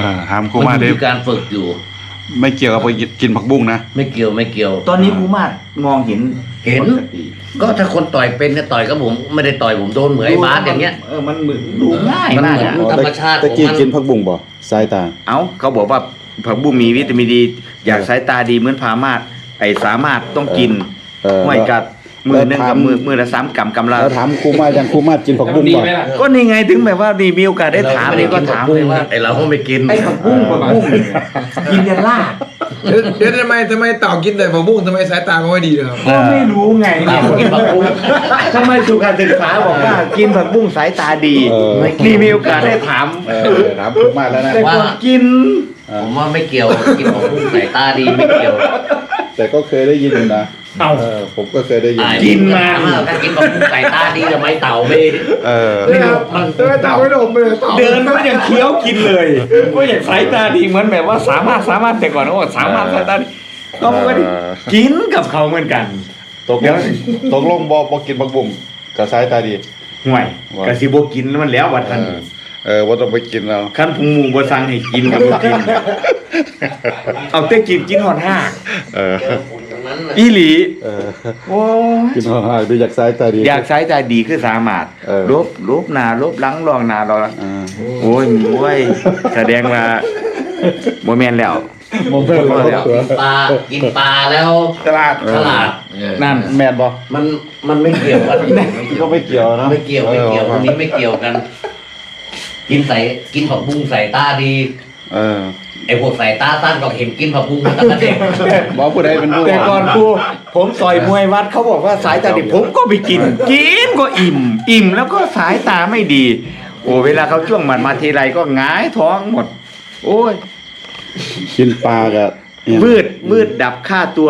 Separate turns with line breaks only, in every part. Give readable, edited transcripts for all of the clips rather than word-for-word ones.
ถามครูมา
มัน
เด้
มีการฝึกอยู่
ไม่เกี่ยวกับไปกินผักบุ้งนะ
ไม่เกี่ยว
ตอนนี้ครูมาดมองเห็น
เห็น
ปกติ
ก็ถ้าคนต่อยเป็นเนี่ยต่อยกับผมไม่ได้ต่อยผมโดนเหมือนไอ้บาสอย่างเงี้ย
มันเหมือนดูง่าย
มัน
มาก
เหมือน
อะ
ธรรมชาติ
ตะกี้
ของมัน
กินผักบุ้งบ่สายตา
เอ้าเขาบอกว่าผักบุ้งมีวิตามินดี อยากสายตาดีเหมือนพามาดไอ้สามารถต้องกิน ห้วยกัดมือหนึงกับมือละ3 กำกำละ
แล้วถามครูมาอย่างครูมากินผักบุ้งบ่
ก็นี่ไงถึงแบบว่านี่มีโอกาสได้ถามนี่ก็ถามเลยว่า
ไอ้เราก็ไม่กิน
ไอ้ผักบุ้งกินยันลาก
เดี๋ยวทำไมเต่ากินแต่ผักบุ้งทำไมสายตาเขาไม่ดีเลยครับ
ก็ไม่รู้ไงเนี่ย
กินผักบุ้ง
ทำไมสุขศึกษาบอกว่ากินผักบุ้งสายตาดี นี่มีโอกาสได้ถาม
ถามครูมาแล้วนะ
แต่ก่อนกิน
ผมว่าไม่เกี่ยวกินผักบุ้งสายตาดีไม่เกี่ยว
แต่ก็เคยได้ยินอยู่นะผมก็เคยได้ยิน
กินมา
ถ้ากินผักบุ้งสายตาดีทำไมเต่าไม่
นี่
มัน
เต่าไม่ดมเลยเต่า
เดินก็ยังเคี้ยวกินเลยก็อย่างสายตาดีเหมือนแบบว่าสามารถแต่ก่อนก็สามารถสายตาดีก็มันก็กินกับเขาเหมือนกัน
ตกลงบ่กินผักบุ้งกับสายตาดี
ห่วยกะสิบกินแล้วมันแล้ววัดทัน
ว่าต้องไปกินเอา
ขั้นพุงหมูบ่สั่งให้กินกับบ่กิน เอาแต่กินหอดห้า
ตรงนั้นน่ะ
อีหลี โอ้
กินห่างๆดูอยากสายตาดี
อยากสายตาดีคือสามารถ ลบหน้าลบหลังรองหน้ารองหลังโอ้ยแสดงว่าบ่แม่นแล้ว
มองเพิ่มแล้ว
กินปลาแล้ว
ตลาด
ฉลาด
นั่น
แม่นบ่
มันไม่เกี่ยวกัน
ก็ไม่เกี่ยวเนาะ
ไม่เกี่ยวอันนี้ไม่เกี่ยวกัน กินผักบุ้งใส่ตาดีไอ้พวกใส่ตาสั้นก็เห็นกินผักบุ้งมาตั้งแต่เด็ก
บอกผู้ใดเป็นผู้
แต่ก่อนครูผมต่อยมวยวัดเขาบอกว่าสายตาดีผมก็ไปกินก็อิ่มแล้วก็สายตาไม่ดี โอ้เวลาเขาช่วงหมัดมาทีไรก็หงายท้องหมด โอ้ย
กินปลากับ
มืดดับค่าตัว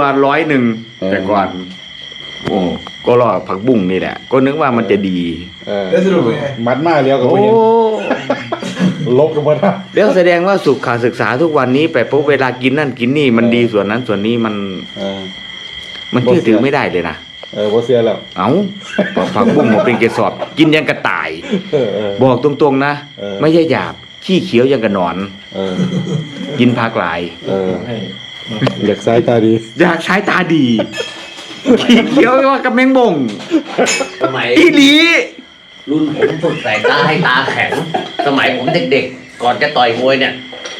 100แต่ก่อน โอ้ก็รอผักบุ้งนี่แหละ ก็นึกว่ามันจะดี
แล้วสรุปเป็นไง
มัดมาเลี้ยวกับ
โอ้
ผู้หญิงลบกันหมดนะ
แล้วแสดงว่าสุขศึกษาทุกวันนี้ไปปุ๊บเวลากินนั่นกินนี่มันดีส่วนนั้นส่วนนี้มันเชื่อถือไม่ได้เลยนะ
บ่เสียแล้ว
เอาผักบุ้งมาเป็นเกสรกินยังกระต่าย บอกตรงๆนะ ไม่ใช่หยาบขี้เขียวยังกระหนอน กินผักหลาย
อยากสายตาดี
อยากใช้ตาดี ขี้เขียวว่ากับแมงบง
สมัย
อีหลี
รุ่นผมฝึกสายตาให้ตาแข็ง สมัยผมเด็กๆ ก่อนจะต่อยมวยเนี่ย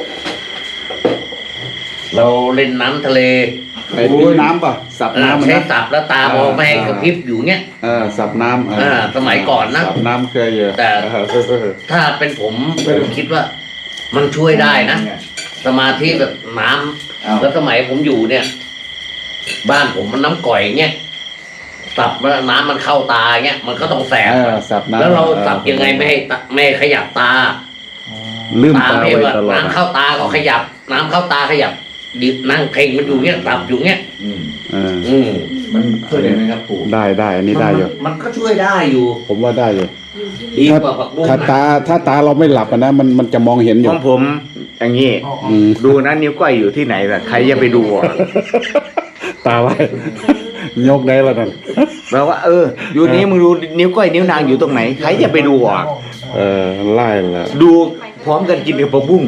เราเล่นน้ำทะเล
ไปตีน้ำป่ะสับน้ำ
ใช้
นะ
สับแล้วตามองไม่ให้กระพริบอยู่เงี้ย
สับน้ำ
สมัยก่อนนะ
สับน้ำเคยเยอะ
แต่ ถ้าเป็นผมคิดว่า มันช่วยได้นะ สมาธิแบบน้ำแล้วสมัยผมอยู่เนี่ย บ้านผมมันน้ำก่อยเงี้ยสับแล้วน้ำมันเข้าตาเงี้ยมันก็ต้องแสบ
สับน้ำ
แล้วเราสับยังไงไม่ให้ขยับตา
ลืม
ตา
ตา
ไม่
ไว้
ว่า
ตลอด
น้ำเข้าตาก็ขยับ น้ำเข้าตาขยับดินั่งเพ่งมันอยู่เงี้ยสับอยู่เงี้ย
มันช่วยได้ไหมครับปู่
ได้อันนี้ได้อยู่
มันก็ช่วยได้อยู่
ผมว่าได้อยู่
ดีกว่าผักบุ้ง
ถ้าตาเราไม่หลับนะมันจะมองเห็นอ
ข
ยู่
องผมอย่างนี้ ดูนะนิ้วก้อยอยู่ที่ไหนล่ะใครจะไปดูอ่ะ
ตาไว้ยกได้แล้วนั่น
แปลว่าอยู่นี้มึงดูนิ้วก้อยนิ้วนางอยู่ตรงไหนใครจะไปดูอ่ะ
ไล่แล้ว
ดูพร้อมกันกินกับผักบุ้ง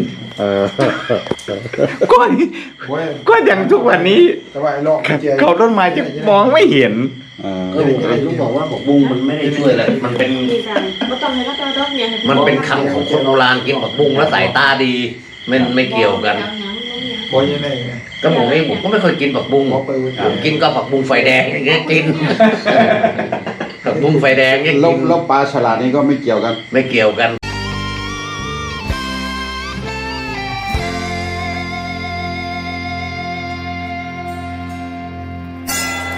ก็อย่างทุกวันนี้
แต่ว่าไอ้ลอกเจีย
เขาต้นไม้จะมองไม่เห็น
ก็เลยลุงบอกว่าผักบุ้งมันไม่ได้ช่วยเลยมันเป็น มันเป็นคำของคนโบราณกินผักบุ้งแล้วสายตาดีไม่เกี่ยวกัน
บอยยังไง
ก็ผมก็ไม่เคยกินผักบุ้งผมกินก็ผักบุ้งไฟแดงอย่างเงี้ยกินผักบุ้งไฟแดงเนี่ย
แล้
กิน
วปลาฉลาดนี่ก็ไม่เกี่ยวกัน
ไม่เกี่ยวกัน